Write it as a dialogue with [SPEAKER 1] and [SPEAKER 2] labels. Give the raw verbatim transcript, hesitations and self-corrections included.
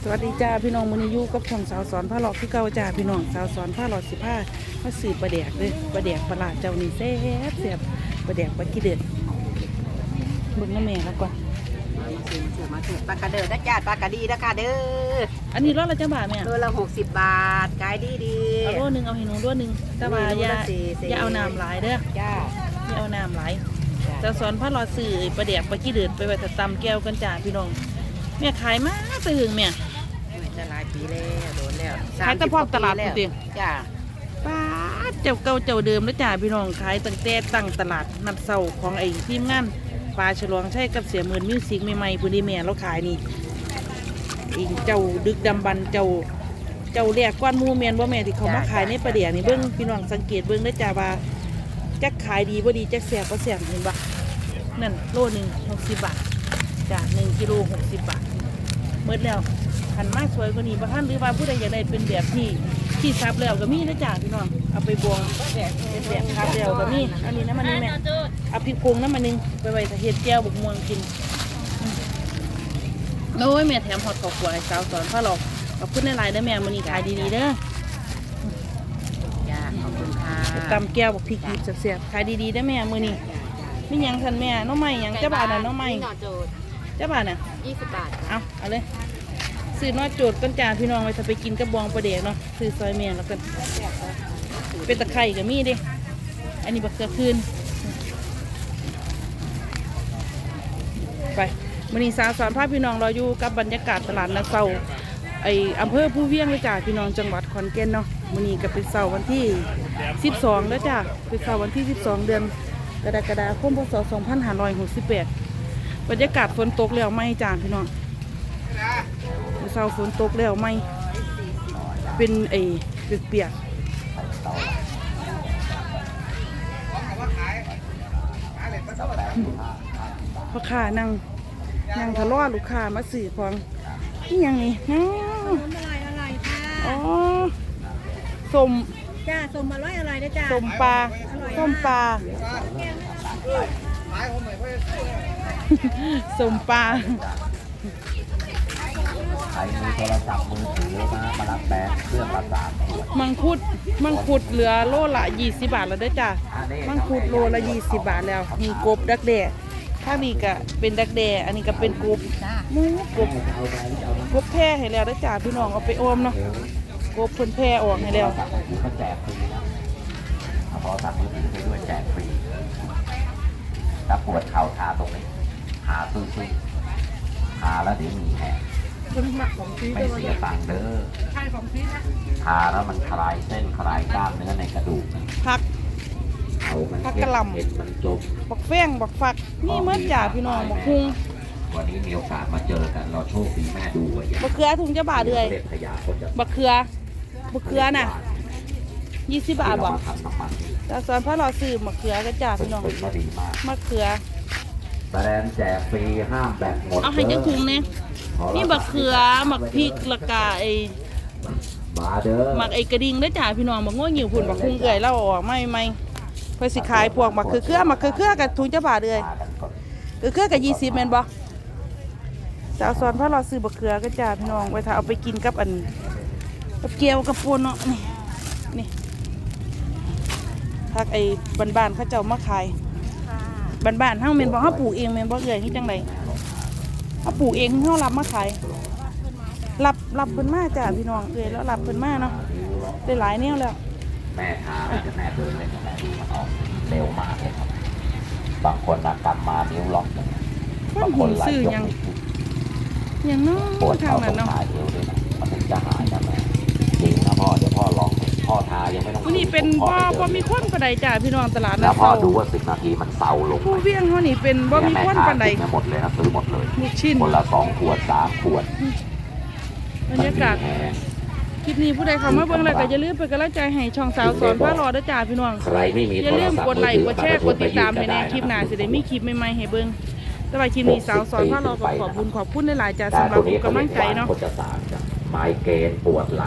[SPEAKER 1] วัสดีจ้าพี่น้องมื้อนี้อยู่กับช่องสาวสอนผ้าหลอกที่เก่าจ้าพี่น้องสาวสอนผ้าหลอกสิผ้ามาสืบประแดกเลยประแดกปลาเจ้านี่แซ่บแซ่บประแดกปลาขี้เดือดเบิ่งน้ำแม่แล้วก่อน
[SPEAKER 2] มาถือมาถือมาถือปลากระเดิดนะจ้าปลากระดีนะค่ะเด้อ
[SPEAKER 1] อันนี้รสละจ้าบาทแม่
[SPEAKER 2] โลละหกสิบบาทขายดีดี
[SPEAKER 1] เอาโลนึงเอาให้หนูโลนึงแต่ว่าอย่าอย่าเอาน้ำหลายเด้อ
[SPEAKER 2] จ้า
[SPEAKER 1] อย่าเอาน้ำหลายสาวสอนผ้าหลอกสื่อประแดกปลาขี้เดือดไปไว้ตำแก้วกันจ้าพี่น้องแม่ขายมากไปถึงแม่
[SPEAKER 2] จะหลายปีแล้วโดนแล้ว
[SPEAKER 1] ขายแต่พอตลาดจริง
[SPEAKER 2] จ้า
[SPEAKER 1] ป้าเจ้าเก่าเจ้าเดิมแล้วจ้าพี่น้องขายตั้งแต่ตั้งตลาดนัดเสาของไอ้ทีมงานปลาฉลองใช่กับเสียหมื่นมิวสิกใหม่ๆพื้นที่แม่เราขายนี่อีกเจ้าดึกดำบรรเจ้าเจ้าแรกก้อนมูเมียนว่าแม่ที่เขามาขายในประเดี๋ยวนี่เบิ้งพี่น้องสังเกตเบิ้งได้จ้าว่าจักขายดีบ่ดีจักแสบก็แสบเห็นปะนั่นโลหนึ่งหกสิบบาทจ้าหนึ่งกิโลหกสิบบาทเมื่อแล้วหันมาสวยกว่านี้ประท่านหรือว่าผู้ใดอยากได้เป็นแบบที่ที่ซับแล้วก็มีนะจ้าพี่น้องเอาไปบวงเป็นแบบซับแล้วก็มีอันนี้น้ำมันนี่แม่เอาพริกพงน้ำมันนึงไปไว้เห็ดแก้วบุกม่วงกินโอ้ยแม่แถมฮอตกอกหัวให้สาวสอนพ่อหลอกขอบคุณในไลน์ได้แม่มันนี่ขายดีๆเด้อ
[SPEAKER 2] จ้าขอบคุณค่ะ
[SPEAKER 1] ตำแก้วบอกพริกดิบเสียบๆขายดีๆได้แม่มือนี่ไม่ยังทันแม่น้องใหม่ยังเจ้าบ่าวน่ะน้องใหม่เจ้าบ่าวน่ะ
[SPEAKER 2] ยี่สิบบาท
[SPEAKER 1] เอาเอาเลยซื้อน้อยโจดก้นจานพี่น้องไว้ถ้าไปกินกระบองประเดกเนาะซื้อซอยเมียแล้วกันเป็นตะไคร่กับมีดิอันนี้บักเกลือคืนไปมื้อนี้สาวสอนภาพพี่น้องเราอยู่กับบรรยากาศตลาดนาเซาไออำเภอผู้เวียงเลยจ้าพี่น้องจังหวัดขอนแก่นเนาะมื้อนี้ก็เป็นเสาร์วันที่สิบสองแล้วจ้าเป็นเสาร์วันที่สิบสองเดือนกรกฎาคมพศสองพันห้าร้อยหกสิบแปดบรรยากาศฝนตกแล้วไม่จ้าพี่น้องเช้าฝนตกแล้วไม่เป็นไอ้เปียกๆพ่อค้านั่งนั่งทะเลาะลูกค้ามาสื่อของนี่ยังนี่น้
[SPEAKER 2] ำอะไรอะไรค่ะ
[SPEAKER 1] อ๋อสม
[SPEAKER 2] จ้าสมอร่อยอะไรนะจ้า
[SPEAKER 1] สมปลาส้มปลาสมปลา
[SPEAKER 3] ใครมีโทรศัพท์มือถือมามารับแบงค์เครื่องละสามขวด
[SPEAKER 1] มังคุดมังคุดเหลือโลละยี่สิบบาทแล้วได้จ้ะมังคุดโลละยี่สิบบาทแล้วมีกบดักแด่ถ้ามีก็เป็นดักแด่อันนี้ก็เป็นกบมูกบกบแพร่ให้แล้วได้จ้ะพี่น้องเอาไปอมเนาะกบเพิ่นแพร่ออกให้แล้ว
[SPEAKER 3] เขาแจกฟรีนะเอาโทรศัพท์มือถือไปด้วยแจกฟรีถ้าปวดเข่าทาตรงนี้หาซื้อซื้อทาแล้วเดี๋ยวมีแผลไม่เสียตังค์เด้อทาแล้วมันคลายเส้นคลายกล้ามเนื้อในกระดูก
[SPEAKER 1] พัก
[SPEAKER 3] เอามัน
[SPEAKER 1] พักกระลำ
[SPEAKER 3] เห็นมันจบ
[SPEAKER 1] บักแฟ้งบักฝักนี่เมื่อจ่าพี่น้องบักพุง
[SPEAKER 3] วันนี้มีโอกาสมาเจอกันเราโชคดีแม่ดูไว้
[SPEAKER 1] บักเขือถุงจะบาทเลยบักเขือบักเขือน่ะยี่สิบบาทบอกแต่ส่วนพระเราซื้อบักเขือก็จ่าพี่น้องมะเขือ
[SPEAKER 3] แบรนด์แจกฟรีห้ามแบ่งหมด
[SPEAKER 1] เอาให้จังถุงเนี่ยนี่บักเขือหมักพริกละกาไอหมักไอกระดิ่งได้จ่าพี่น้องบักง้อหิวผุ่นบักคุ้งเกยเล่าออกไม่ไม่เพื่อสิขายพวกหมักคือเครือหมักคือเครือกับถุงจะบาทเลยคือเครือกับยี่สิบเมนบ่สาวสอนพระเราซื้อบักเขือก็จ่าพี่น้องไว้ถ้าเอาไปกินกับอันกับเกี๊ยวกับปูนเนาะนี่นี่ทักไอ้บ้านๆเขาเจ้ามาขายบ้านๆทั้งเมนบ่เขาปลูกเองเมนบ่เกยนี่จังไรเขาปลูกเองเขารับมาขายรับรับเพิ่นมาจ้าพี่น้องเลยแล้วรับเพิ่นมาเนาะได้หลายแนวแล้ว
[SPEAKER 3] แม่ทาจะแม่เดินเลยแม่ดูมันออกเร็วมากเลยครับบางคนนะกลับมานิ้วล็อก
[SPEAKER 1] บางคนซื้อยังยังน้องทางนั้นเนาะ
[SPEAKER 3] เอวด้วยนะมันถึงจะหายนะแม่จริงนะพ่อเดี๋ยวพ่อลองพ่อทายังไม่ต้อง
[SPEAKER 1] วันนี้เป็นบ่บ่มีคนปานใดจ้าพี่น้องตลาด
[SPEAKER 3] นะพ่อดูว่าสิบนาทีมันเศร้าลง
[SPEAKER 1] ผู้เวียงเขานี่เป็นบ่มีคนปานใด
[SPEAKER 3] หมดเลยนะซื้อหมดเลย
[SPEAKER 1] ลูกชิ้น
[SPEAKER 3] คนละสองขวดสามขวด
[SPEAKER 1] บรรยากาศคลิปนี้ผู้ใดเข้ามาเบิ่งแล้วก็อย่าลืมเป็นกำลังใจให้ช่องสาวสอนพารอด้วยจ้าพี่น้องอย่าลืมกดไลค์กดแชร์กดติดตามให้ในคลิปหน้าสิได้มีคลิปใหม่ๆให้เบิ่งสำหรับคลิปนี้สาวสอนพารอขอขอบคุณขอบคุณหลายๆจ้าสำหรับกำลังใจเนาะ
[SPEAKER 3] ไมเกรนปวดหลัง